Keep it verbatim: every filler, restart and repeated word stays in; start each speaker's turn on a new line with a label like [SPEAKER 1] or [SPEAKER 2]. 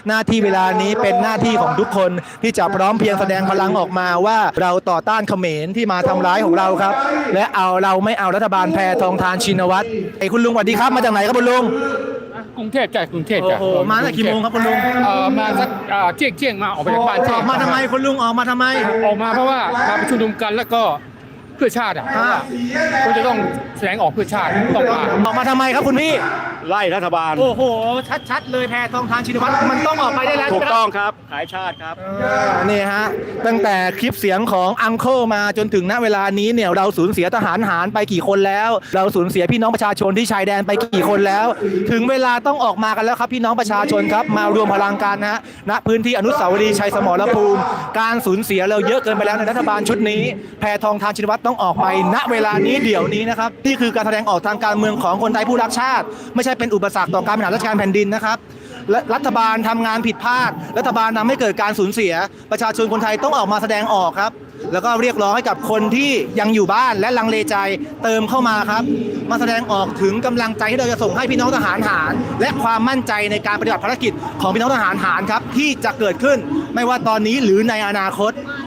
[SPEAKER 1] หน้าที่เวลานี้เป็นหน้าที่ของทุกคนที่จะพร้อมเพรียงแสดงพลังออกมาว่าเราต่อต้านเขมรที่มาทำร้ายของเราครับและเอาเราไม่เอารัฐบาลแพทองธารชินวัตรไอ้คุณลุงสวัสดีครับมาจากไหนครับคุณลุง
[SPEAKER 2] กรุงเทพจ้ะกรุงเทพ
[SPEAKER 1] โอ้
[SPEAKER 2] จ้ะ
[SPEAKER 1] โหมาตั้งแต่กี่โมงครับคุณลุง
[SPEAKER 2] เอ่อมาสักเอ่อเที่ยงเที่ยงมาออกไปจากบ้าน
[SPEAKER 1] อ
[SPEAKER 2] เที่ย
[SPEAKER 1] อง กมาทำไมคุณลุงออกมาทำไม
[SPEAKER 2] ออกมาเพราะว่ามาประชุมนุมกันแล้วก็เพื่อชาติอ่ะ
[SPEAKER 1] อ่า
[SPEAKER 2] ก็จะต้องแสดงออกเพื่อชาติต้องมา
[SPEAKER 1] ออกมาทำไมครับคุณพี่
[SPEAKER 3] ไล่รัฐบาล
[SPEAKER 1] โอ้โหชัดๆเลยแพทองธารชินวัตรมันต้องออกไปได้แล้ว
[SPEAKER 3] ถูก
[SPEAKER 1] ใช่ไหมครับ
[SPEAKER 3] ต้องครับ ขายชาติครับ
[SPEAKER 1] นี่ฮะตั้งแต่คลิปเสียงของอังเคิลมาจนถึงณเวลานี้เนี่ยเราสูญเสียทหารหารไปกี่คนแล้ว เราสูญเสียพี่น้องประชาชนที่ชายแดนไปกี่คนแล้ว ถึงเวลาต้องออกมากันแล้วครับพี่น้องประชาชนครับมารวมพลังกันนะฮะณพื้นที่อนุสาวรีย์ชัยสมรภูมิการสูญเสียเราเยอะเกินไปแล้วในรัฐบาลชุดนี้แพทองธารชินวัตรต้องออกไปณเวลานี้เดี๋ยวนี้นะครับนี่คือการแสดงออกทางการเมืองของคนไทยผู้รักชาติ ไม่ใช่เป็นอุปสรรคต่อการบริหารราชการแผ่นดินนะครับ และรัฐบาลทำงานผิดพลาด รัฐบาลทำให้เกิดการสูญเสีย ประชาชนคนไทยต้องออกมาแสดงออกครับ แล้วก็เรียกร้องให้กับคนที่ยังอยู่บ้านและลังเลใจเติมเข้ามาครับ มาแสดงออกถึงกำลังใจที่เราจะส่งให้พี่น้องทหารหาร และความมั่นใจในการปฏิบัติภารกิจของพี่น้องทหารหารครับที่จะเกิดขึ้นไม่ว่าตอนนี้หรือในอนาคต